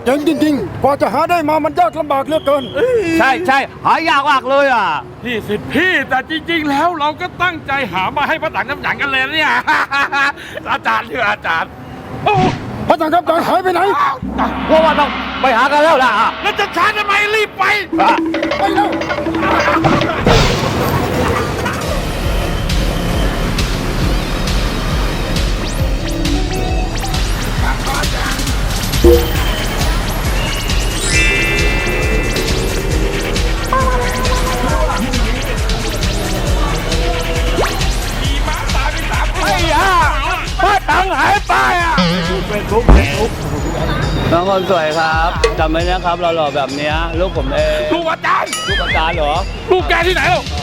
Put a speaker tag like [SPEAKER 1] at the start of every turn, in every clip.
[SPEAKER 1] เจ๋งจริงๆกว่าจะหาได้มามันยากลำบากเหลือเกิน
[SPEAKER 2] ใช่หายากมากเลยอ่ะ
[SPEAKER 3] พี่สิทธิ์พี่แต่จริงๆแล้วเราก็ตั้งใจหามาให้พระถังน้ำหนังกันเลยนะเนี่ย อาจารย์เถอะอาจารย์โอ้
[SPEAKER 1] พระสังฆจารย์หายไปไหน
[SPEAKER 2] เพราะว่าต้องไปหากันแล้วล่ะ
[SPEAKER 3] แล้วจะช้าทำไมรีบไป
[SPEAKER 1] ไปแล้ว
[SPEAKER 2] ไอ้ยาพระถังหายไปอ่ะเป็นทุกน้องคนสวยครับจำไว้นะครับเราหล่อแบบเนี้ยลูกผมเอง
[SPEAKER 3] ลูกอาจารย์
[SPEAKER 2] ลูกอาจารย์เหรอ
[SPEAKER 3] ลูกแกที่ไหนหรอ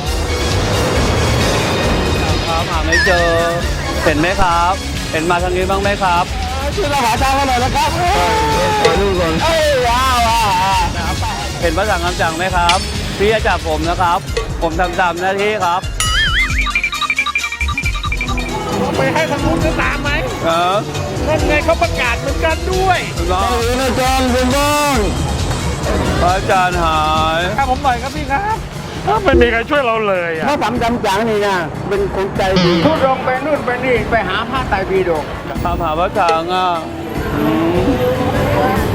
[SPEAKER 2] ครับหาไม่เจอ เห็นไหมครับ เห็นมาทางนี้บ้างไหมครับช่วยเราหาทางกันหน่อยนะครับลูกคนว้าวเห็นพระสังฆจารย์ไหมครับพี่จะจับผมนะครับ ผมทำตามหน้าที่ครับ
[SPEAKER 3] ไปให้ทางนู้นจะตามไหม
[SPEAKER 2] นั่น
[SPEAKER 3] ไงเขาประกาศเหมือนกันด้วย
[SPEAKER 2] น้องอาจารย์คุณบ้างพระอาจารย์หาย
[SPEAKER 3] ครับผมหน่อยครับพี่ครับไม่มีใครช่วยเราเลยอ่ะ
[SPEAKER 4] พระสังจำจังนี่นะเป็นคนใจดีทุดงไปนู่นไปนี่ไปหาพระไตรปิฎก
[SPEAKER 2] ตามหาพระถังอ่ะ